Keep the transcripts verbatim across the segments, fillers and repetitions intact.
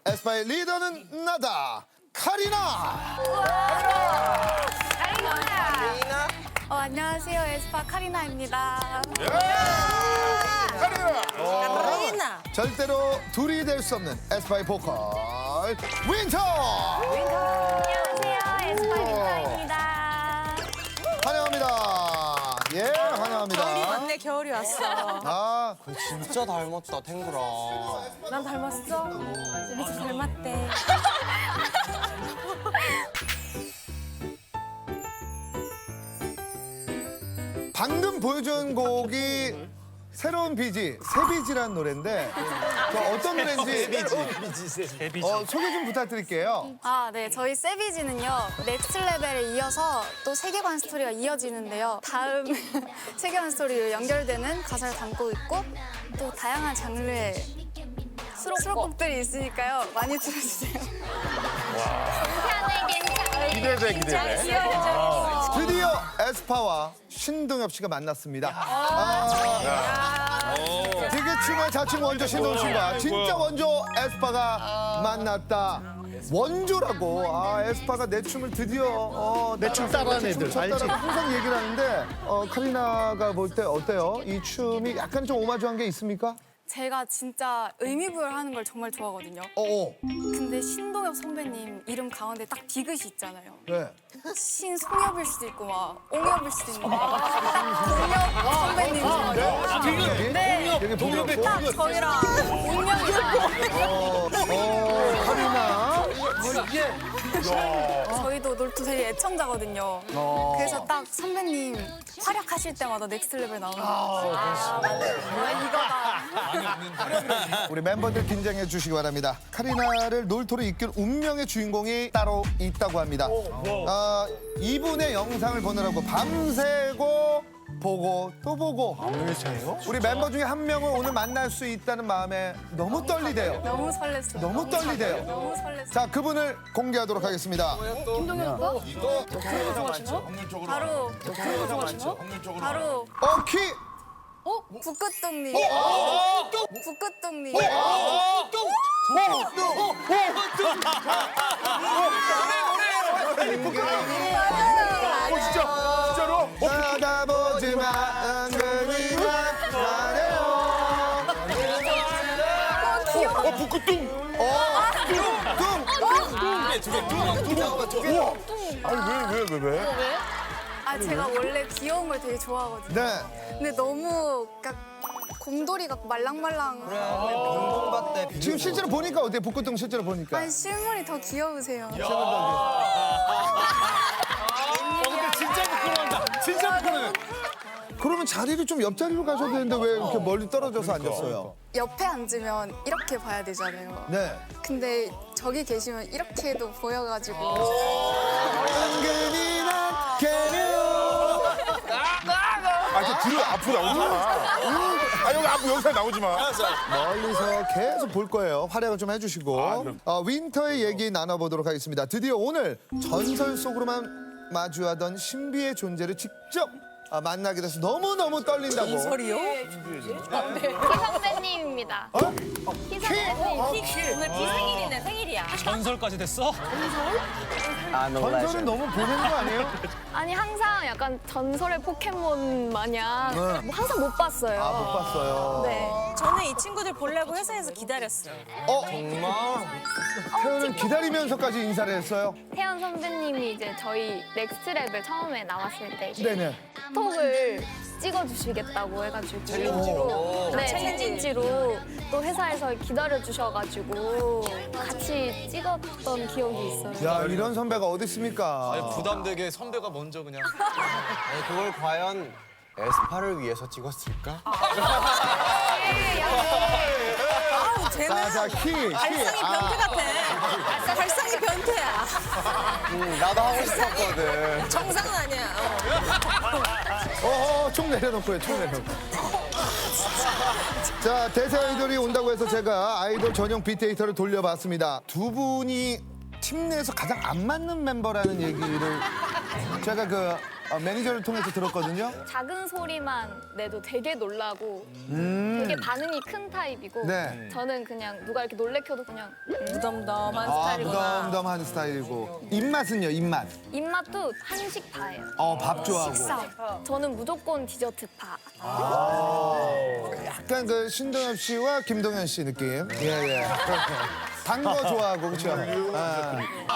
에스파의 리더는 나다. 카리나. 카리나. 어, 안녕하세요. 에스파 카리나입니다. 카리나. 절대로 둘이 될 수 없는 에스파의 보컬 윈터. 안녕하세요. 에스파 윈터입니다. 환영합니다. 예, 환영합니다. 겨울이 왔네, 겨울이 왔어. 아, 진짜 닮았다, 탱구라. 난 닮았어? 우리 집 닮았대. 방금 보여준 곡이 새로운 비지, 새비지라는 노래인데 저 어떤 노래인지 어, 소개 좀 부탁드릴게요. 아, 네. 저희 세비지는요. 넥스트 레벨에 이어서 또 세계관 스토리가 이어지는데요. 다음 세계관 스토리로 연결되는 가사를 담고 있고 또 다양한 장르의 수록곡들이 있으니까요. 많이 들어주세요. 기대돼, 기대돼. 드디어 에스파와 신동엽 씨가 만났습니다. 아, 되게 춤의 자칭 원조 신동엽 씨가 진짜 원조 에스파가 만났다. 원조라고. 아, 에스파가 내 춤을 드디어 어, 내 춤 따라하는 애들, 췄다라고 알지? 항상 얘기를 하는데 어, 카리나가 볼 때 어때요? 이 춤이 약간 좀 오마주한 게 있습니까? 제가 진짜 의미부여하는 걸 정말 좋아하거든요. 어어. 근데 신동엽 선배님 이름 가운데 딱 디귿이 있잖아요. 네. 신송엽일 수도 있고 막 옹엽일 수도 있고 막 동엽 선배님처럼 네. 되게 동엽의 딱 저희랑 운명이잖아요. 어, 어, 카리나. 저희도 놀토 되게 애청자거든요. 어. 그래서 딱 선배님 활약하실 때마다 넥스트 레벨 나오는 거. 아, 이거다. 우리 멤버들 긴장해 주시기 바랍니다. 카리나를 놀토로 이끌 운명의 주인공이 따로 있다고 합니다. 어, 이분의 영상을 보느라고 밤새고 보고 또 보고. 우리 member 중에 한 명을 오늘 만날 수 있다는 마음에 너무 떨리대요. 너무 설렜어요. 너무 떨리대요. 너무 설렜어요. 자, 그분을 공개하도록 하겠습니다. 바로 바로 어, 키! 어? 북극동님. 북극동님. 진짜로? 쳐다보지 마, 그리만 말해요. 어, 북극둥. 아니, 왜, 왜, 왜, 왜? 아, 제가 원래 귀여운 걸 되게 좋아하거든요. 네. 근데 너무 그러니까 곰돌이 같고 말랑말랑. 똥밭대 지금 실제로 보니까 어때요? 북극동 실제로 보니까. 아니 실물이 더 귀여우세요. 진짜 부끄러운다. 진짜 부끄러워. 그러면 자리를 좀 옆자리로 가셔야 되는데 왜 이렇게 멀리 떨어져서 앉았어요? 옆에 앉으면 이렇게 봐야 되잖아요. 네. 근데 저기 계시면 이렇게도 보여가지고. 은근히나 개요. 아, 저 뒤로 앞으로 나오지 마. 아, 여기 앞으로 영상 나오지 마. 멀리서 계속 볼 거예요. 활약을 좀 해주시고. 어, 윈터의 얘기 나눠보도록 하겠습니다. 드디어 오늘 전설 속으로만 마주하던 신비의 존재를 직접 아, 만나게 돼서 너무너무 떨린다고. 소리요? 선배님입니다. 오늘 비생일이네, 생일이야. 전설까지 됐어? 전설은 너무 보내는 거 아니에요? 아니 항상 약간 전설의 포켓몬 마냥 네. 뭐 항상 못 봤어요. 아, 못 봤어요. 네. 저는 이 친구들 보려고 회사에서 기다렸어요. 어? 태연은 기다리면서까지 인사를 했어요? 태연 선배님이 이제 저희 넥스트 레벨 처음에 나왔을 때 이제 네네. 톡을 찍어주시겠다고 해가지고 챌린지로 네 챌린지로 또 회사에서 기다려 주셔가지고 같이 찍었던 기억이 있어요. 야, 이런 선배가 어디 있습니까? 부담되게 선배가 먼저 그냥. 아니, 그걸 과연 에스파를 위해서 찍었을까? 아우, 쟤는 자, 자, 키, 키. 발상이 변태 같아. 발상이 변태야. 응, 나도 하고 싶었거든. 정상은 아니야. 어. 어, 어, 총 내려놓고요, 총 내려놓고. 자, 대세 아이돌이 온다고 해서 제가 아이돌 전용 빅데이터를 돌려봤습니다. 두 분이 팀 내에서 가장 안 맞는 멤버라는 얘기를 제가 그 어, 매니저를 통해서 들었거든요. 작은 소리만 내도 되게 놀라고 되게 반응이 큰 타입이고 음. 네. 저는 그냥 누가 이렇게 놀래켜도 그냥 음. 무덤덤한 아, 스타일이구나. 무덤덤한 스타일이고. 입맛은요, 입맛. 입맛도 한식파예요. 어, 밥 좋아하고. 식사. 저는 무조건 디저트파. 약간 그 신동엽 씨와 김동현 씨 느낌. 예, 예. 단 거 좋아하고, 그렇죠? 아.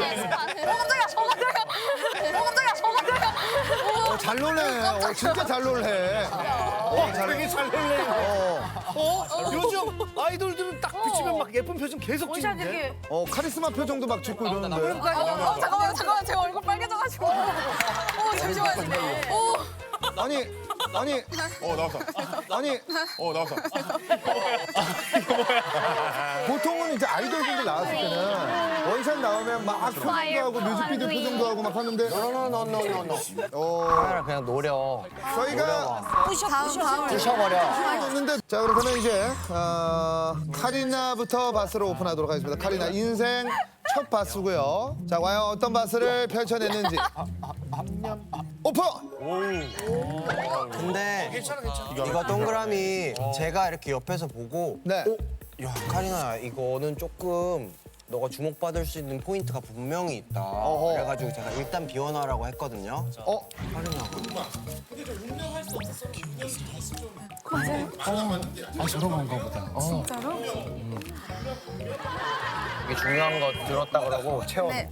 어, 잘 놀래. 어, 진짜 잘 놀래. 어, 잘 되게 잘 놀래요. 어? 요즘 아이돌들은 딱 비치면 막 예쁜 표정 계속 찍는데. 어, 카리스마 표정도 막 짓고 이러는데. 어, 잠깐만, 잠깐만. 제 얼굴 빨개져가지고. 어, 잠시만요. 어, 아니, 아니, 어 나왔어. 아니. 어 나왔어. 보통은 이제 아이돌분들 나왔을 때는 원샷 나오면 막 표정도 하고 뮤직비디오 표정도 하고 막 하는데 노노노노노노. 어, 그냥 노려. 저희가 다음 다음 부셔버려. 줬는데 자 그러면 이제 어, 카리나부터 바스로 오픈하도록 하겠습니다. 카리나 인생 첫 바스고요. 자 과연 어떤 바스를 펼쳐냈는지 오픈. 근데 이거 동그라미 제가 이렇게 옆에서 보고 네. 야 카리나 이거는 조금 너가 주목받을 수 있는 포인트가 분명히 있다. 어허. 그래가지고 제가 일단 비워놔라고 했거든요. 어 이게 중요한 거 들었다 그러고 채워. 네.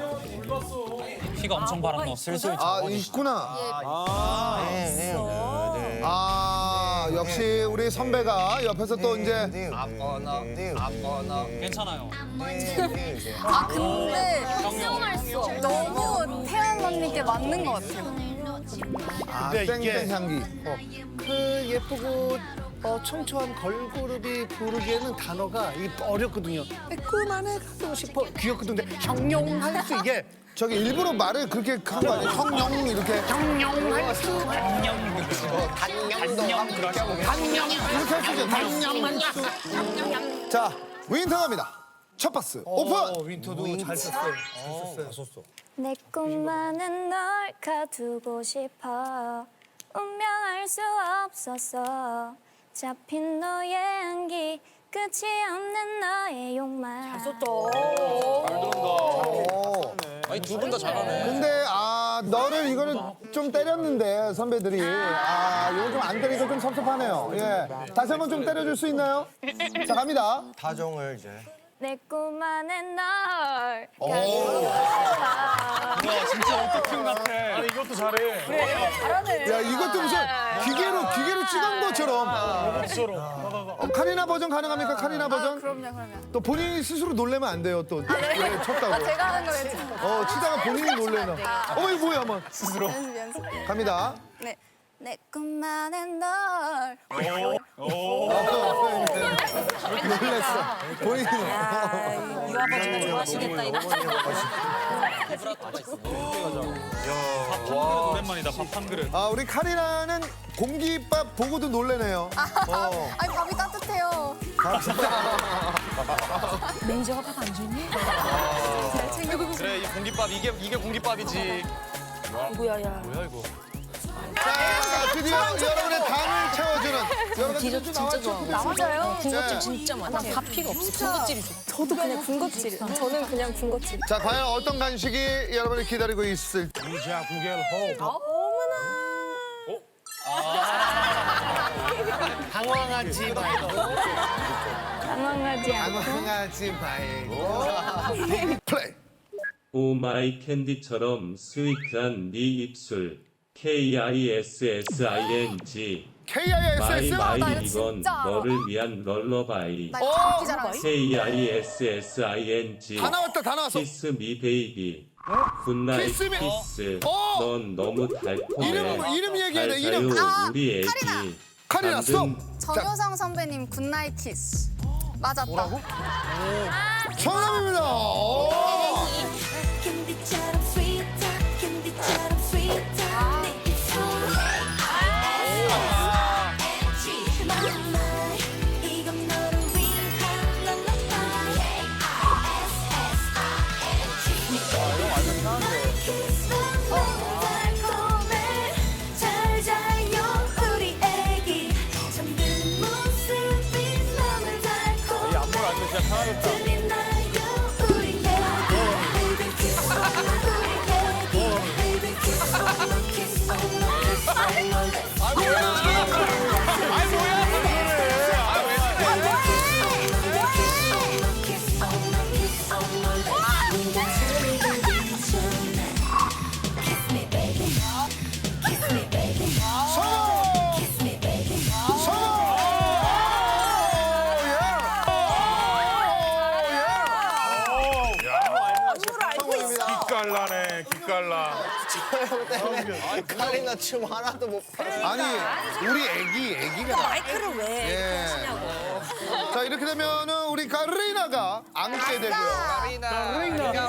피가 엄청 바람 넣었어. 슬슬 아 있구나. 네, 네, 네. 아 역시 우리 선배가 옆에서 또 이제 네, 아거나 아거나 괜찮아요. 아 근데 너무 태연 언니께 맞는 것 같아요. 아, 근데 이게- 땡땡 향기. 그 예쁘고 어, 청초한 걸그룹이 부르기에는 단어가 이게 어렵거든요. 매콤한에 가고 싶어. 귀엽거든요. 근데 형용할 수 이게 저기 일부러 말을 그렇게 한 거 아니에요? 형용 이렇게 형용할 수. 이렇게 할 수 있죠. 단념할 수. 자 윈터 갑니다. 첫 바스 오픈. 윈터도 잘 썼어요. 잘 썼어. 내 꿈만은 널 가두고 싶어 운명 알 수 없었어 잡힌 너의 향기 끝이 없는 너의 욕망 아니 두 분 다 잘하네. 근데 아 너를 이거를 좀 때렸는데 선배들이 아 이거 좀 안 때리니까 좀 섭섭하네요. 예 다시 한번 좀 때려줄 수 있나요? 자 갑니다. 다정을 이제. 내 꿈만은 널 오. 와 진짜 오토튠 같아. 아니 이것도 잘해. 야 이것도 무슨 기계로 기계로 찍은 것처럼. 어, 카리나 버전 가능합니까? 카리나 버전? 그럼요, 그럼요. 또 본인이 스스로 놀래면 안 돼요. 또 예, 쳤다고. 제가 하는 거 괜찮아요. 어 치다가 본인이 놀래면. 어머 이거 뭐야 한번 연습 연습. 갑니다. 네. 내 꿈만은 널. 놀랬어. 본인이. 유아 버전 좋아하시겠다, 이거. 밥 한 그릇 오랜만이다. 밥 한 그릇. 아 우리 카리나는 공깃밥 보고도 놀래네요. 어. 아니 밥이 따뜻해요. 매니저가 밥 안 줬니? 잘 챙겨. 그래 이 공깃밥 이게 이게 공깃밥이지. 이거야, 야. 뭐야 이거? 자 드디어 여러분의 당을 채워주는 여러분 디저트 진짜 좋아. 맞아요. 군것질 진짜 많아. 다 필요 없어. 군것질이 좋아. 저도 그냥 군것질. 저는 그냥 군것질. 자 과연 어떤 간식이 여러분을 기다리고 있을지. 이자 구겔 호. 당황하지 말고. 당황하지 않고 당황하지 말고 플레이. 오마이 캔디처럼 스위트한 네 입술 케이 아이 에스 에스 아이 엔 지 케이 아이 에스 마이 에스 나 마이 이거 이건 진짜 알아. 너를 위한 럴러바이 나 이거 감기 잘하고 케이 아이 에스 에스 아이 엔 지 다 나왔다 다 나왔어. 키스 미 베이비 굿나잇 키스 미- 키스 어! 넌 너무 달콤해 이름 이름 얘기해야 돼 잘 이름. 자요 아, 우리 애기 카리나. 카리나 스톱. 만든 정효성 선배님 굿나잇 키스. 맞았다. 뭐라고? 정답입니다. 오. 캔디처럼 스윗한 캔디처럼 스윗한 내 입술 마마 이건 너를 위한 랄라바이 에스 에스 아이 엔 지 내 키스는 너무 달콤해 기깔나네, 기깔나. 카리나 춤 하나도 못 봐. 아니 우리 애기 애기가 마이크를 왜 예. 하시냐고. 자 이렇게 되면은 우리 카리나가 안게 되고요. 카리나.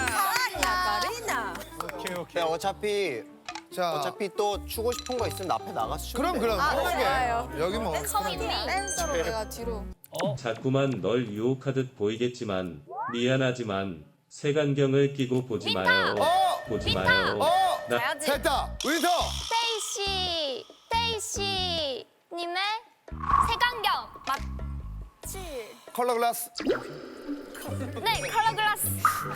오케이, 오케이. 근데 어차피 자 어차피 또 추고 싶은 거 있으면 나 앞에 나가서 추면 그럼 그럼 편하게 좋아요. 여기 뭐 댄서로 내가 뒤로. 자꾸만 널 유혹하듯 보이겠지만 미안하지만 색안경을 끼고 보지 마요. 어! 보지 마요. 어! 나 가야지. 됐다 윈터 스테이시, 스테이시 님의 색안경. 칠. 컬러 글라스 네, 컬러 글라스.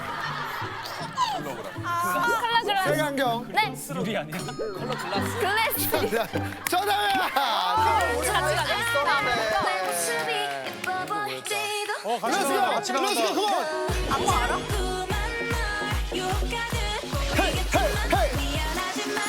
컬러 글라스. 색안경 네, 유리 아니야? 글래스. 정답이야. 같이 가자. 어, 같이 렛츠고 나가, 같이 나가. 렛츠고 컴온. 안무 알아? 유혹하듯 보이겠지만 미안하지만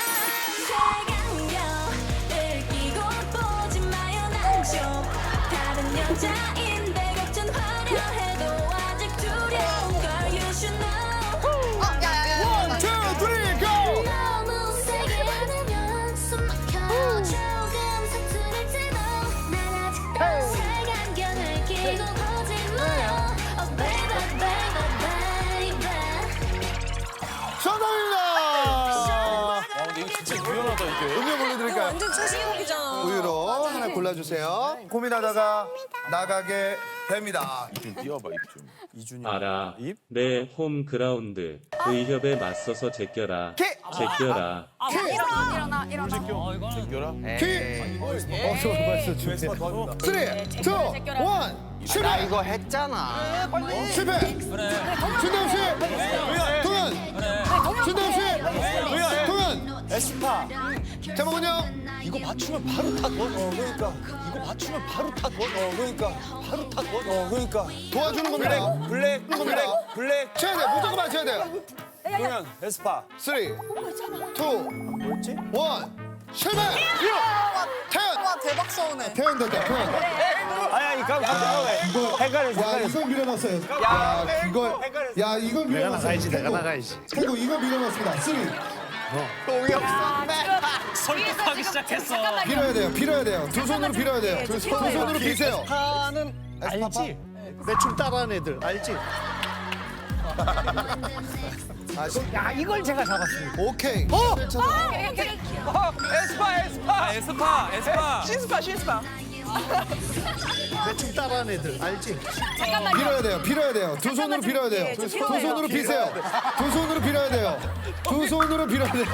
색안경을 끼고 보지 마요 난 좀 다른 여자인데 걱정 화려해도 아직 두려운 걸 you should know 어, 야야야. 원, 투, 쓰리, 고! 너무 세게 안으면 숨 막혀 조금 서투를지도 난 아직도 색안경을 끼고 보지 마요 Oh baby baby baby 정답입니다. 아, 근데 이거 진짜 유연하다, 이게. 음료 보내드릴까요? 완전 최신곡이잖아. 우유로 하나 골라주세요. 고민하다가 나가게 됩니다. 띄워봐, 입 좀. 이준이. 알아. 입? 내 홈그라운드 의협에 맞서서 제껴라. 키! 제껴라. 일어나 일어나 일어나. 제껴라. 키! 어, 저 벌써 준비. 쓰리, 투, 원, 나 실패! 이거 했잖아. 실패! 신동 씨! 동현! 신동 씨! 동현! 에스파. 제목은요? 이거 맞추면 바로 타. 어, 그러니까. 이거 맞추면 바로 타. 어, 그러니까. 바로 타. 어, 그러니까. 도와주는 겁니다. 블랙, 겁니다. 블랙. 쳐야 돼, 무조건 맞춰야 돼요. 동현, 에스파. 쓰리, 투, 뭐였지? 원, 실패! 태연! 와 대박 서운해. 태연 됐다, 태연. 아야, 이거 이거 헷갈렸어. 야, 이걸 밀어넣었어요. 야, 이걸, 야, 이걸 밀어넣었어요. 나가야지, 내가 태국. 나가야지. 태국 이거 밀어넣었습니다. 쓰리. 동이 없었네. 설득하기 시작했어. 빌어야 돼요, 빌어야 돼요. 두 손으로 빌어야 돼요. 두 손으로 비세요. 파는 알지? 내 춤 따라하는 애들 알지? 야, 이걸 제가 잡았습니다. 오케이. 어? 에스파, 에스파. 아, 에스파, 에스파. 신스파, 신스파. 내 춤 따라하는 애들 알지? 빌어야 돼요, 빌어야 돼요. 두 손으로 빌어야 돼요. 두 손으로 비세요. 두 손으로 빌어야 돼요. 두 손으로 빌어야 돼요.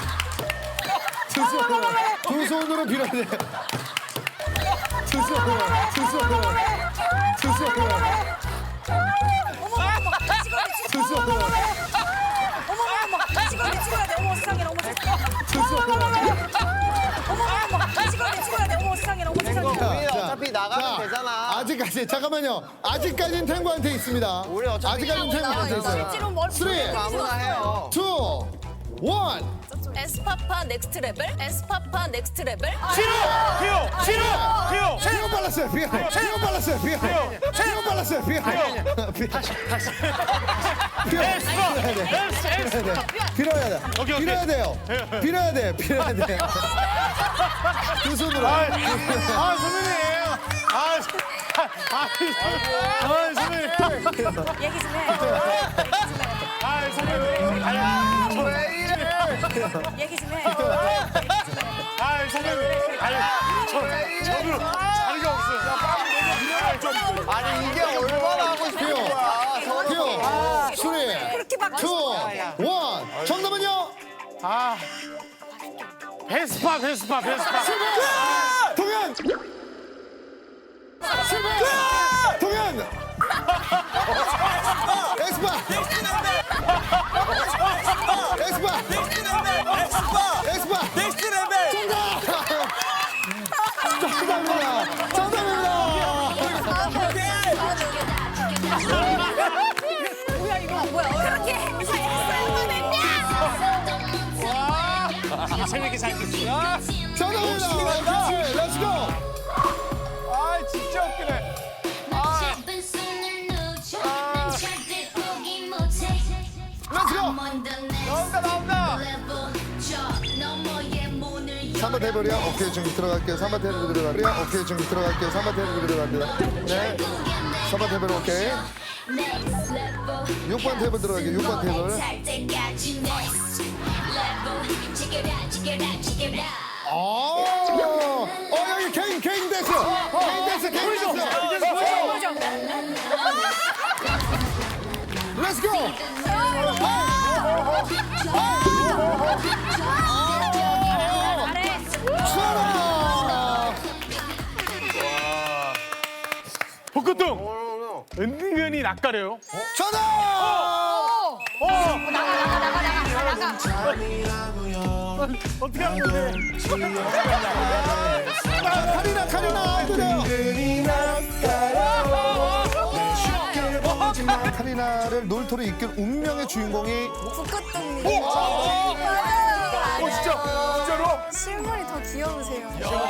두 손으로, 두 손으로 빌어야 돼요. 두 손으로, 두 손으로, 두 손으로. 두 손으로. 찍어야 찍어야 돼. 어머 세상에 어머 세상에. 두 손으로. 어머 어머 찍어야 돼 찍어야 돼. 어머 세상에 어머 세상에. 우리 자, 어차피 나가면 자, 되잖아. 아직까지 잠깐만요. 아직까지는 탱구한테 있습니다. 우리 어차피 아직까지는 탱구한테 있어요. 실제로 뭘 쓰리, 아무나 해요. 투, 원. 에스파파 넥스트 레벨? 에스파파 넥스트 레벨? 피오! 피오! 피오! 피오 발랐어요. 피오. 피오 발랐어요. 피오. 피오 발랐어요. 피오. 다시 다시. 피오. 빌어야 돼. 빌어야 돼. 오케이, 오케이. 빌어야 돼요. 빌어야 돼. 빌어야 돼. 두 손으로. 아, 선배님. 아, 아, 아, 선배님. 얘기 좀 해. 아, 선배님. 아, 왜 이래? 얘기 좀 해. 아, 선배님. 아니, 저, 저도 자리가 없어요. 아, 좀. 아니 이게 얼마나 하고 싶은 피오. 거야? 서로. 피오. 쓰리, 그렇게 막 투, 원. 정답은요? 아. 베스파, 베스파, 베스파. 동현. 실패. 동현. 에스파. 에스파. 에스파. 넥스트 레벨. 정답입니다. 정답입니다. 뭐야 이거 뭐야? 그렇게 아, 재밌게 잘 됐어. 정답입니다. 그렇지. 렛츠고. 아, 진짜 웃기네. 잡은 손을 놓쳐 절대 포기 못해 렛츠고. 먼저 나온다 나온다. 삼 번 테이블이야? 오케이, 지금 들어갈게요. 삼 번 테이블 들어갈게요. 오케이, 지금 들어갈게요. 삼 번 테이블 들어갑니다. 네. 삼 번 테이블 오케이. 육 번 테이블 들어갈게요. 육 번 테이블. 어, 어 여기 개인 개인 댄스. 개인 댄스, 개인 댄스. 렛츠 고. 수아라. 복근동. 은근히 낯가려요. 전화. 어떻게 하는 건데? 카리나 카리나 그래요. 카리나를 놀토로 이끈 운명의 주인공이 북극동님. 어, 진짜? 진짜로? 실물이 더 귀여우세요.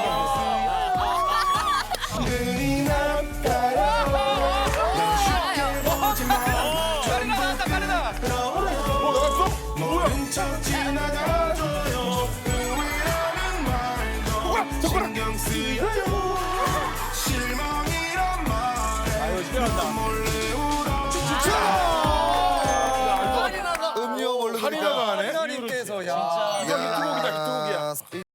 나온다 카리나. 음료 몰래 카리나가 하네. 카리나님께서 야. 이거 히트곡이다 히트곡이야.